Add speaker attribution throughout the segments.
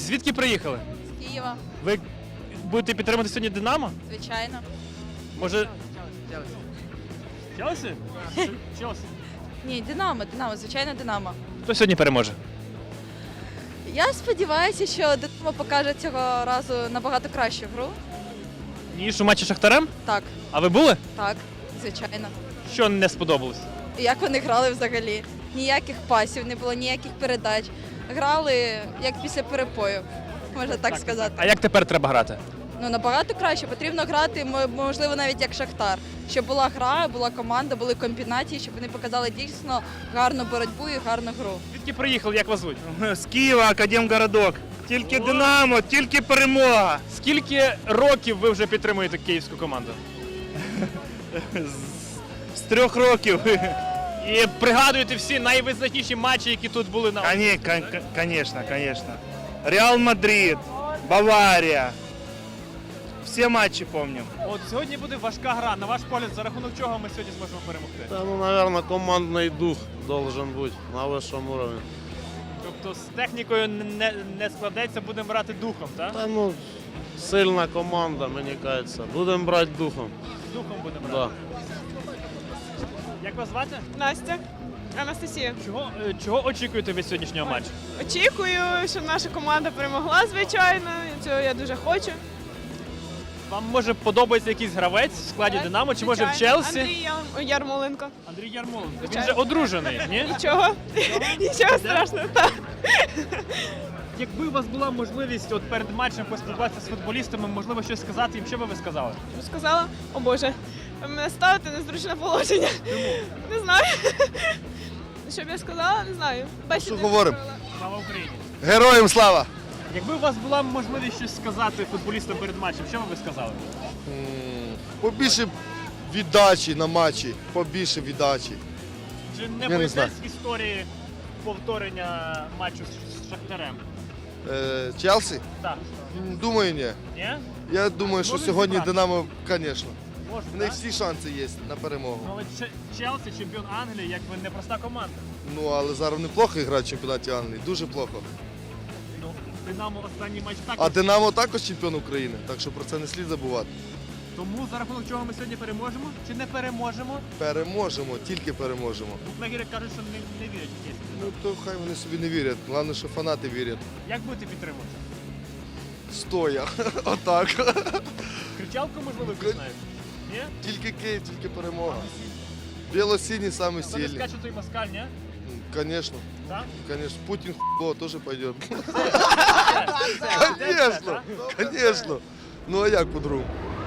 Speaker 1: Звідки приїхали?
Speaker 2: З Києва,
Speaker 1: Ви будете підтримувати сьогодні Динамо?
Speaker 2: звичайно.
Speaker 1: Може... Челсі? Челсі.
Speaker 2: Ні, Динамо, звичайно, Динамо.
Speaker 1: Хто сьогодні переможе?
Speaker 2: Я сподіваюся, що Динамо покаже цього разу набагато кращу гру.
Speaker 1: Ніж у матчі з Шахтарем?
Speaker 2: Так,
Speaker 1: А ви були?
Speaker 2: так, звичайно.
Speaker 1: Що не сподобалось?
Speaker 2: І як вони грали взагалі? Ніяких пасів не було, ніяких передач. Грали як після перепою, можна так сказати.
Speaker 1: А як тепер треба грати?
Speaker 2: Ну, набагато краще. Потрібно грати, можливо, навіть як Шахтар. Щоб була гра, була команда, були комбінації, щоб вони показали дійсно гарну боротьбу і гарну гру.
Speaker 1: Звідки приїхали, як вас звуть?
Speaker 3: З Києва, Академгородок. Тільки Динамо, тільки перемога.
Speaker 1: Скільки років ви вже підтримуєте київську команду?
Speaker 3: З 3 років.
Speaker 1: І пригадуєте всі найвизначніші матчі, які тут були на
Speaker 3: Конечно, конечно. Реал Мадрид, Баварія. Всі матчі пам'ятаю.
Speaker 1: От сьогодні буде важка гра. На ваш погляд, за рахунок чого ми сьогодні зможемо перемогти?
Speaker 4: Да, ну, наверное, командный дух должен быть на высшем уровне.
Speaker 1: Тобто з технікою не складеться, будемо грати духом, так?
Speaker 4: Да, ну, сильна команда, мені кажется. Будем брать духом.
Speaker 1: Духом будемо
Speaker 4: Да.
Speaker 1: грати. Як вас звати?
Speaker 5: Настя, Анастасія.
Speaker 1: Чого очікуєте від сьогоднішнього матчу?
Speaker 5: Очікую, щоб наша команда перемогла, звичайно. І цього я дуже хочу.
Speaker 1: Вам може подобається якийсь гравець в складі Динамо, чи може в
Speaker 5: Звичайно.
Speaker 1: Челсі?
Speaker 5: Андрій Ярмоленко.
Speaker 1: Андрій Ярмоленко. Він
Speaker 5: Звичайно.
Speaker 1: же одружений, ні?
Speaker 5: Нічого. Нічого страшного. Так.
Speaker 1: Якби у вас була можливість от перед матчем поспілкуватися з футболістами, можливо, щось сказати їм, що би ви сказали?
Speaker 5: Сказала, о Боже, ви мене ставите в незручне положення. Не знаю. Що б я сказала, не знаю. Бесіди
Speaker 6: говоримо?
Speaker 5: провела.
Speaker 1: Слава Україні!
Speaker 6: Героям слава!
Speaker 1: Якби у вас була можливість щось сказати футболістам перед матчем, що би ви сказали?
Speaker 6: Побільше віддачі на матчі, побільше віддачі.
Speaker 1: Чи не
Speaker 6: не
Speaker 1: боїтесь
Speaker 6: знаю.
Speaker 1: історії повторення матчу з Шахтарем?
Speaker 6: Челсі?
Speaker 1: Так.
Speaker 6: Думаю, ні.
Speaker 1: Ні?
Speaker 6: Я думаю, що
Speaker 1: Можуть
Speaker 6: сьогодні
Speaker 1: зібрати?
Speaker 6: Динамо, звісно.
Speaker 1: Може,
Speaker 6: В них
Speaker 1: так?
Speaker 6: всі шанси є на перемогу.
Speaker 1: Ну, але Челсі, чемпіон Англії, якби непроста команда.
Speaker 6: Ну, але зараз неплохо грати в чемпіонаті Англії, дуже плохо.
Speaker 1: Ну, Динамо останній матч
Speaker 6: А
Speaker 1: також.
Speaker 6: Динамо також чемпіон України, так що про це не слід забувати.
Speaker 1: Тому за рахунок чого ми сьогодні переможемо чи не переможемо?
Speaker 6: Переможемо, тільки переможемо.
Speaker 1: Букмекери кажуть, що не вірять в Київську.
Speaker 6: Ну, то хай вони собі не вірять. Головне, що фанати вірять.
Speaker 1: Як будете підтримувати?
Speaker 6: Стоя. Отак.
Speaker 1: Кричалку, можливо, пізнаєте? Ні?
Speaker 6: Тільки Київ, тільки перемога. Біло-сині самі
Speaker 1: Хто не
Speaker 6: сильні.
Speaker 1: скаче, той москаль, ні?
Speaker 6: Конечно.
Speaker 1: Так?
Speaker 6: Конечно, Путин хуйло тоже пойдет.
Speaker 1: Це,
Speaker 6: Конечно,
Speaker 1: так?
Speaker 6: конечно. Ну а як по-другому?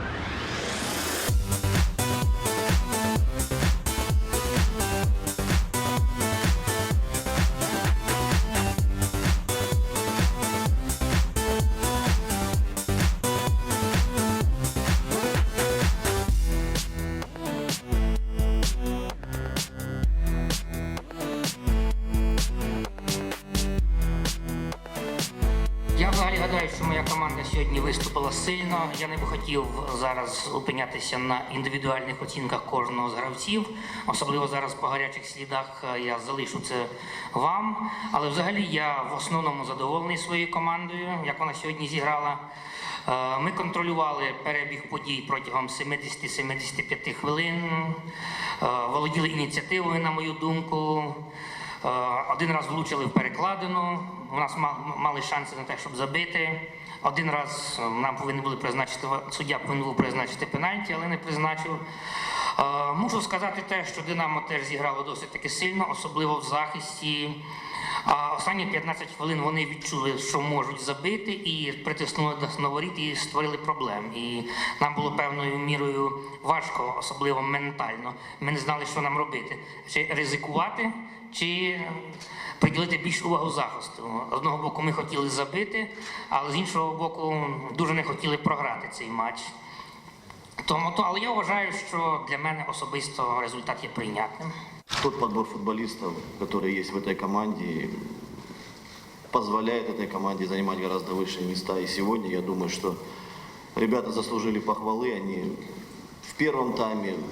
Speaker 7: Я взагалі гадаю, що моя команда сьогодні виступила сильно. Я не би хотів зараз опинятися на індивідуальних оцінках кожного з гравців. Особливо зараз по гарячих слідах я залишу це вам. Але взагалі я в основному задоволений своєю командою, як вона сьогодні зіграла. Ми контролювали перебіг подій протягом 70-75 хвилин, володіли ініціативою, на мою думку. Один раз влучили в перекладину, у нас мали шанси на те, щоб забити. Один раз нам повинні були призначити, суддя повинен був призначити пенальті, але не призначив. Мушу сказати те, що Динамо теж зіграло досить таки сильно, особливо в захисті. Останні 15 хвилин вони відчули, що можуть забити, і притиснули до воріт і створили проблем. І нам було певною мірою важко, особливо ментально. Ми не знали, що нам робити. Чи ризикувати, чи приділити більш увагу захисту. З одного боку ми хотіли забити, але з іншого боку дуже не хотіли програти цей матч. Але я вважаю, що для мене особисто результат є прийнятним.
Speaker 8: Тот подбор футболистов, который есть в этой команде, позволяет этой команде занимать гораздо высшие места. И сегодня я думаю, что ребята заслужили похвалы. Они в первом тайме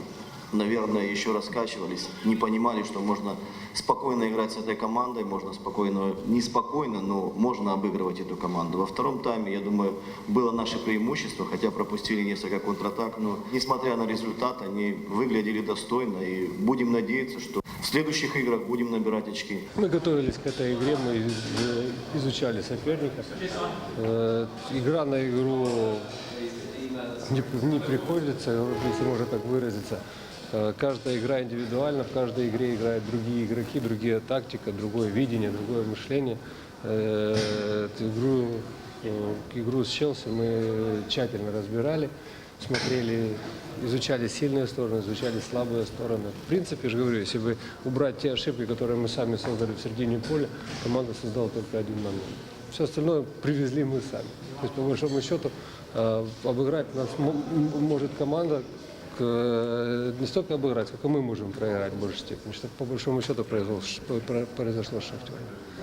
Speaker 8: наверное, еще раскачивались, не понимали, что можно спокойно играть с этой командой, можно спокойно, не спокойно, но можно обыгрывать эту команду. Во втором тайме, я думаю, было наше преимущество, хотя пропустили несколько контратак, но несмотря на результат, они выглядели достойно, и будем надеяться, что в следующих играх будем набирать очки.
Speaker 9: Мы готовились к этой игре, мы изучали соперника. Игра на игру не приходится, если можно так выразиться. Каждая игра индивидуальна, в каждой игре играют другие игроки, другая тактика, другое видение, другое мышление. Игру с Челси мы тщательно разбирали, смотрели, изучали сильные стороны, изучали слабые стороны. В принципе, я же говорю, если бы убрать те ошибки, которые мы сами создали в середине поля, команда создала только один момент. Все остальное привезли мы сами. То есть, по большому счету, обыграть нас может команда, не столько обыграть, сколько мы можем проиграть в большей степени, что по большому счету произошло с Шахтером.